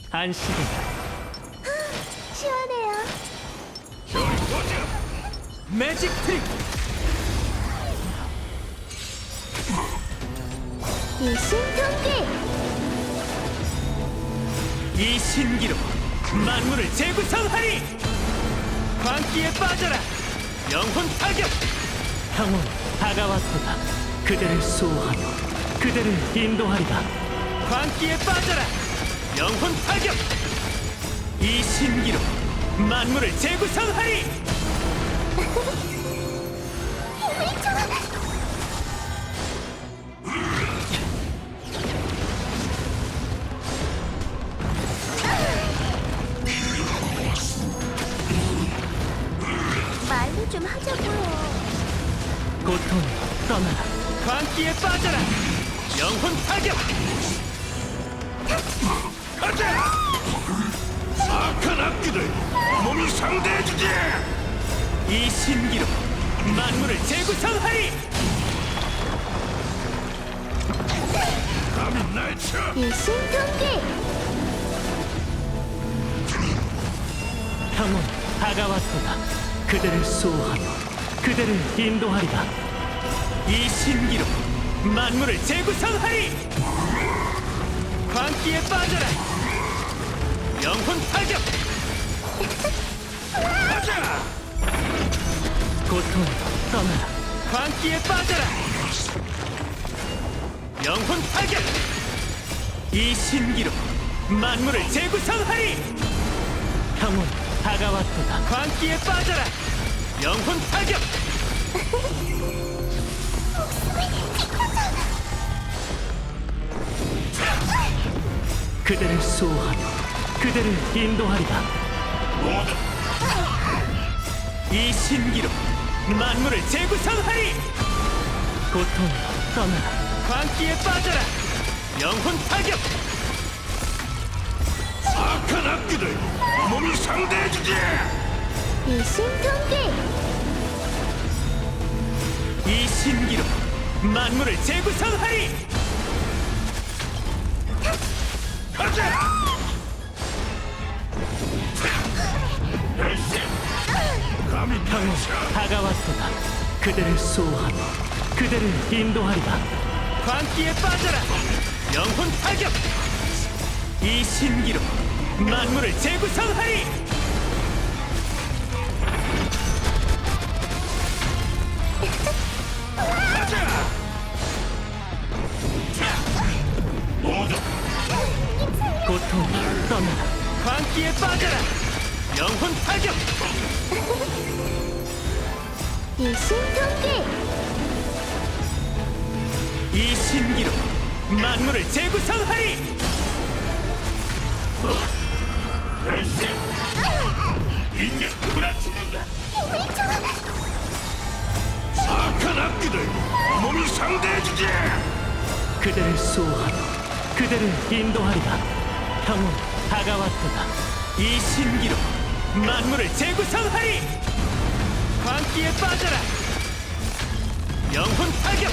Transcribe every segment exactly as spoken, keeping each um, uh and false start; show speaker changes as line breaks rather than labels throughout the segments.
안식이다.
시원해요.
매직 트릭.
일심동기.
이 신기로 만물을 재구성하리. 광기에 빠져라. 영혼 타격. 형은 다가왔도다. 그대를 수호하며 그대를 인도하리라. 광기에 빠져라. 영혼 타격. 이 신기로 만물을 재구성하리.
말로 좀 하자고요.
고통 떠나라. 광기에 빠져라. 영혼 타격.
가자! 악한 악기들 몸이 상대해주지!
이 신기로 만물을 재구성하리.
감히 날 쳐!
일심동기.
형은 다가왔도다. 그대를 수호하며 그대를 인도하리라. 이 신기로 만물을 재구성하리. 광기에 빠져라. 영혼 타격.
가자!
고통 떠나라. 광기에 빠져라. 영혼 타격. 이 신기로 만물을 재구성하리. 형은 다가왔도다. 광기에 빠져라. 영혼 타격. 그대를 수호하며 그대를 인도하리라.
모두
이 신기로 만물을 재구성하리. 고통 떠나라. 광기에 빠져라. 영혼 타격.
악한 악기들 몸이 상대해주지!
일심동기.
이 신기로 만물을 재구성하리.
가자! 감히
형은
날 쳐!
다가왔도다. 그대를 수호하며 그대를 인도하리라. 광기에 빠져라. 영혼 타격. 이 신기로 만물을 재구성하리.
가자! 모두
고통 떠나라. 광기에 빠져라. 영혼 타격.
일심동기.
이 신기로 만물을 재구성하리.
인간 누구나 죽는다! 악한 악기들 몸이 상대해주지!
그대를 수호하며 그대를 인도하리라. 형은 다가왔도다. 이 신기로 만물을 재구성하리. 광기에 빠져라. 영혼 타격.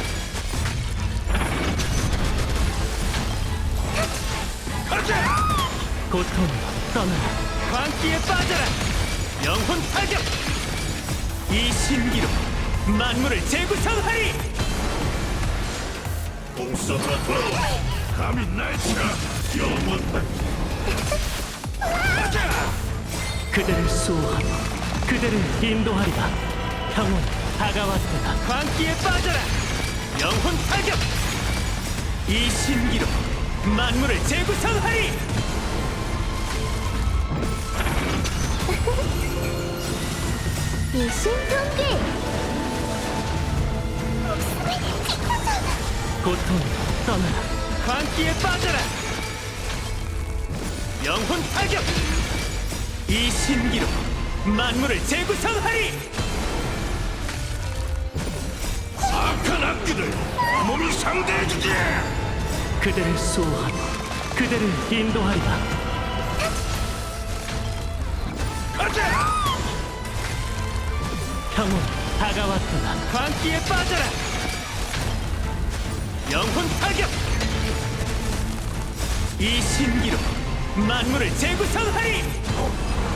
가자!
고통 떠나라. 광기에 빠져라. 영혼 타격. 이 신기로 만물을 재구성하리.
공수가 돌아와! 감히 날 쳐! 영원 가자!
그대를 수호하며 그대를 인도하리라. 형은 다가왔도다. 광기에 빠져라. 영혼 타격. 이 신기로 만물을 재구성하리.
일심동기.
고통 떠나라. 광기에 빠져라. 영혼 타격. 이 신기로 만물을 재구성하리.
악한 악기들 몸이 상대해주지!
그대를 수호하며 그대를 인도하리라.
가자!
형은 다가왔도다. 광기에 빠져라. 영혼 타격. 이 신기로 만물을 재구성하리.